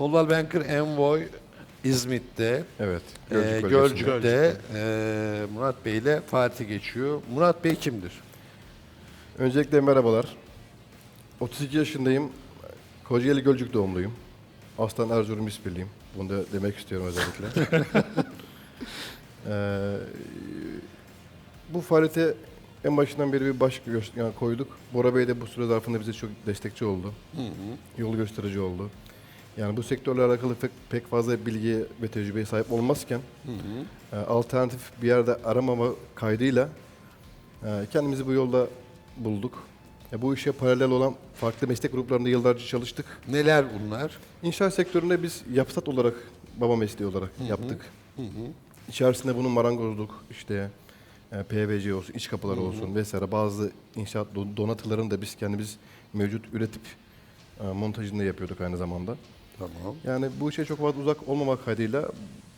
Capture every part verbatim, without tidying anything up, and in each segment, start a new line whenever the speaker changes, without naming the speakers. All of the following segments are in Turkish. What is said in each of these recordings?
Coldwell Banker Envoy İzmit'te,
Evet.
e,
Gölcük
Gölcük'te,
bölgesinde.
e, Murat Bey ile Fatih geçiyor. Murat Bey kimdir?
Öncelikle merhabalar. otuz iki yaşındayım. Kocaeli Gölcük doğumluyum. Aslan Erzurum İspirliyim. Bunu da demek istiyorum özellikle. Ee, bu faaliyete en başından beri bir baş gö- yani koyduk. Bora Bey de bu süre zarfında bize çok destekçi oldu.
Hı hı.
Yol gösterici oldu. Yani bu sektörle alakalı pek, pek fazla bilgiye ve tecrübeye sahip olmazken
Hı hı.
e, alternatif bir yerde aramama kaydıyla e, kendimizi bu yolda bulduk. E, bu işe paralel olan farklı meslek gruplarında yıllarca çalıştık.
Neler bunlar?
İnşaat sektöründe biz yapsat olarak, baba mesleği olarak
Hı hı.
yaptık.
Hı hı.
İçerisinde bunun marangozluk, işte e, P V C olsun, iç kapıları
Hı hı.
olsun vesaire bazı inşaat do- donatılarını da biz kendimiz mevcut üretip e, montajını da yapıyorduk aynı zamanda.
Tamam.
Yani bu işe çok fazla uzak olmamak kaydıyla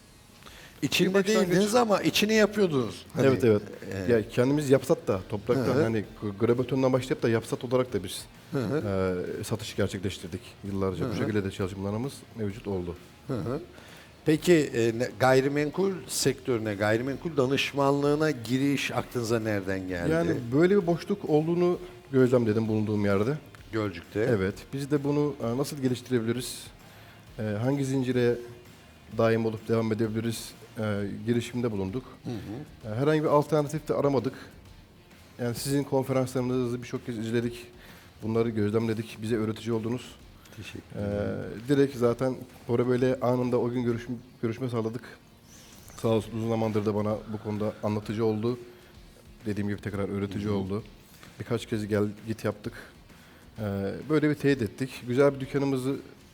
İçinde
Bir başlangıç.
değildiniz ama içini yapıyordunuz. Hani,
evet evet.
e,
Ya kendimiz yapsat da topraktan
Hı hı.
hani grabetondan başlayıp da yapsat olarak da biz
Hı hı.
e, satış gerçekleştirdik yıllarca.
Hı
Bu
hı.
şekilde de çalışmalarımız mevcut oldu.
Hı hı. Peki e, ne- gayrimenkul sektörüne, gayrimenkul danışmanlığına giriş aklınıza nereden geldi?
Yani böyle bir boşluk olduğunu gözlemledim bulunduğum yerde.
Gölcük'te.
Evet. Biz de bunu e, nasıl geliştirebiliriz? E, hangi zincire daim olup devam edebiliriz? E, girişimde bulunduk.
Hı hı.
E, herhangi bir alternatif de aramadık. Yani sizin konferanslarınızı birçok kez izledik. Bunları gözlemledik. Bize öğretici oldunuz.
Teşekkür
E,
ederim.
direkt zaten Bora böyle anında o gün görüşüm, görüşme sağladık. Sağ olsun uzun zamandır da bana bu konuda anlatıcı oldu. Dediğim gibi tekrar öğretici
Hı hı.
oldu. Birkaç kez gel git yaptık. E, böyle bir teyit ettik. Güzel bir dükkanımızı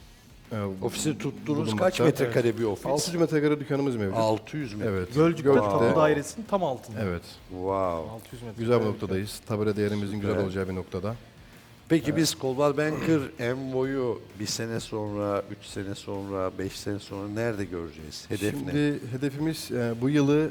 e,
Ofisi tuttuğunuz
bulunmakta.
kaç metrekare bir ofis?
altı yüz metrekare dükkanımız mevcut.
altı yüz metre.
Evet.
Gölcük'te
Gölcük'te.
tapu dairesinin tam altında.
Evet.
Wow.
altı yüz metre.
Güzel bir noktadayız. Tabela değerimizin
Süper.
güzel olacağı bir noktada.
Peki biz Coldwell Banker Envoy'u bir sene sonra, üç sene sonra, beş sene sonra nerede göreceğiz? Hedef ne?
Şimdi hedefimiz e, bu yılı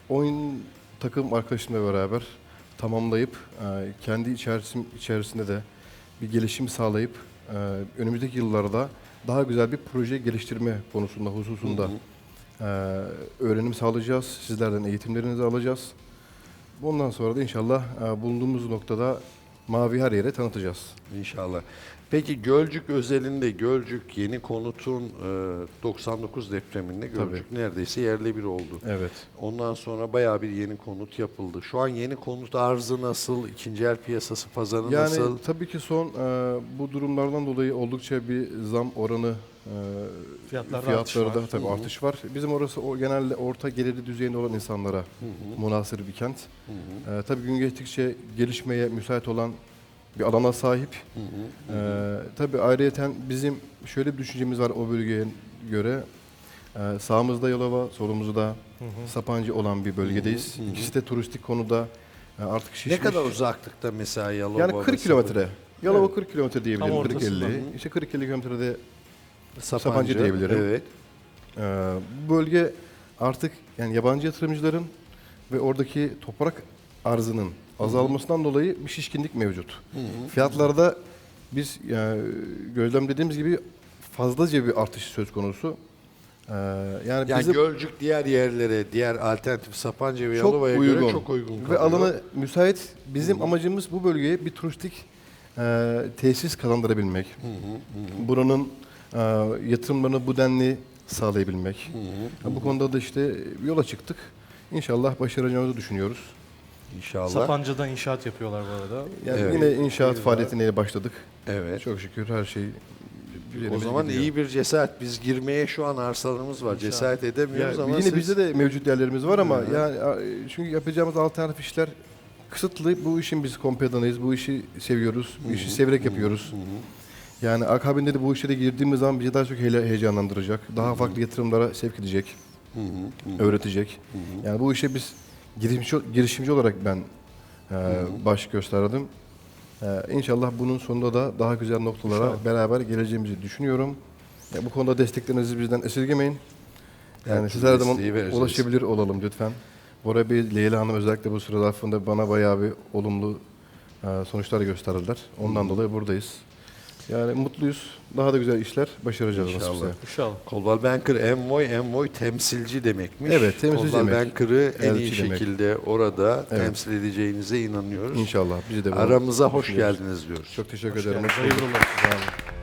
on takım arkadaşımla beraber tamamlayıp e, kendi içerisim, içerisinde de bir gelişim sağlayıp e, önümüzdeki yıllarda daha güzel bir proje geliştirme konusunda, hususunda
Hı hı.
e, öğrenim sağlayacağız. Sizlerden eğitimlerinizi alacağız. Bundan sonra da inşallah e, bulunduğumuz noktada mavi her yere tanıtacağız.
İnşallah. Peki Gölcük özelinde Gölcük yeni konutun e, doksan dokuz depreminde Gölcük neredeyse yerle bir oldu.
Evet.
Ondan sonra bayağı bir yeni konut yapıldı. Şu an yeni konut arzı nasıl? İkinci el piyasası pazarı
Yani
nasıl?
tabii ki son e, bu durumlardan dolayı oldukça bir zam oranı e,
Fiyatlarda
fiyatlarda
artış var.
tabii
Hı hı.
artış var. Bizim orası o genelde orta geliri düzeyinde olan insanlara
Hı hı.
münhasır bir kent.
Hı hı.
E, tabii gün geçtikçe gelişmeye müsait olan bir alana sahip.
Hı hı.
E, tabii ayrıyeten bizim şöyle bir düşüncemiz var o bölgeye göre. E, sağımızda Yalova, solumuzda
Hı hı.
Sapancı olan bir bölgedeyiz.
Hı hı.
İkisi de turistik konuda e, artık şişmiş.
Ne kadar uzaklıkta mesela Yalova?
Yani
ve
kırk
Sapı-
kilometre. Yalova
Evet.
kırk kilometre
Tam
diyebilirim. kırk
ortasında.
elli. İşte kırk elli kilometrede
Sapancı,
Sapancı diyebilirim.
Evet.
Ee, bu bölge artık yani yabancı yatırımcıların ve oradaki toprak arzının azalmasından dolayı bir şişkinlik mevcut.
Hı hı.
Fiyatlarda biz yani gözlemlediğimiz gibi fazlaca bir artış söz konusu. Ee, yani,
Yani
bizim
Gölcük diğer yerlere, diğer alternatif Sapanca ve
çok
Yalova'ya
uygun
göre çok uygun kalıyor.
ve alanı müsait. Bizim amacımız bu bölgeye bir turistik e, tesis kazandırabilmek.
Hı hı, hı hı.
Buranın e, yatırımlarını bu denli sağlayabilmek.
Hı hı, hı
Bu
hı.
konuda da işte yola çıktık. İnşallah başaracağımızı düşünüyoruz.
İnşallah.
Sapanca'da inşaat yapıyorlar bu arada.
Yani
Evet.
yine inşaat
Güzel.
faaliyetine başladık.
Evet.
Çok şükür her şey
O
üzerimize
zaman
gidiyor.
iyi bir cesaret. Biz girmeye şu an arsalarımız var.
İnşallah.
Cesaret edemiyoruz
Ya
ama
yine
siz...
bizde de mevcut yerlerimiz var ama
Hı.
yani a- çünkü yapacağımız alternatif işler kısıtlı. Bu işin biz kompedanıyız. Bu işi seviyoruz. Bu işi severek yapıyoruz.
Hı hı.
Yani akabinde de bu işlere girdiğimiz zaman bizi daha çok hele- heyecanlandıracak. Daha farklı yatırımlara sevk edecek,
Hı hı, hı.
öğretecek. Yani bu işe biz girişimci, girişimci olarak ben e, baş gösterdim. E, İnşallah bunun sonunda da daha güzel noktalara
İnşallah.
beraber geleceğimizi düşünüyorum. Ya bu konuda desteklerinizi bizden esirgemeyin. Yani
Her
siz
türlü
her zaman
desteği vereceğiz.
ulaşabilir olalım lütfen. Bora Bey, Leyla Hanım özellikle bu süre zarfında bana bayağı bir olumlu e, sonuçlar gösterdiler. Ondan dolayı buradayız. Yani mutluyuz. Daha da güzel işler başaracağız
İnşallah.
nasipse.
İnşallah.
Coldwell Banker Envoy, Envoy temsilci demekmiş.
Evet, temsilci
Coldwell
demek.
Banker'ı en iyi
Elçi demek.
şekilde orada
Evet.
temsil edeceğinize inanıyoruz.
İnşallah. Bizi de bunu
Aramıza hoş
düşünüyoruz.
geldiniz diyoruz.
Çok teşekkür
Hoş
ederim.
geldiniz.
Hoş bulduk.
Hayırlı olsun.
Sağ olun.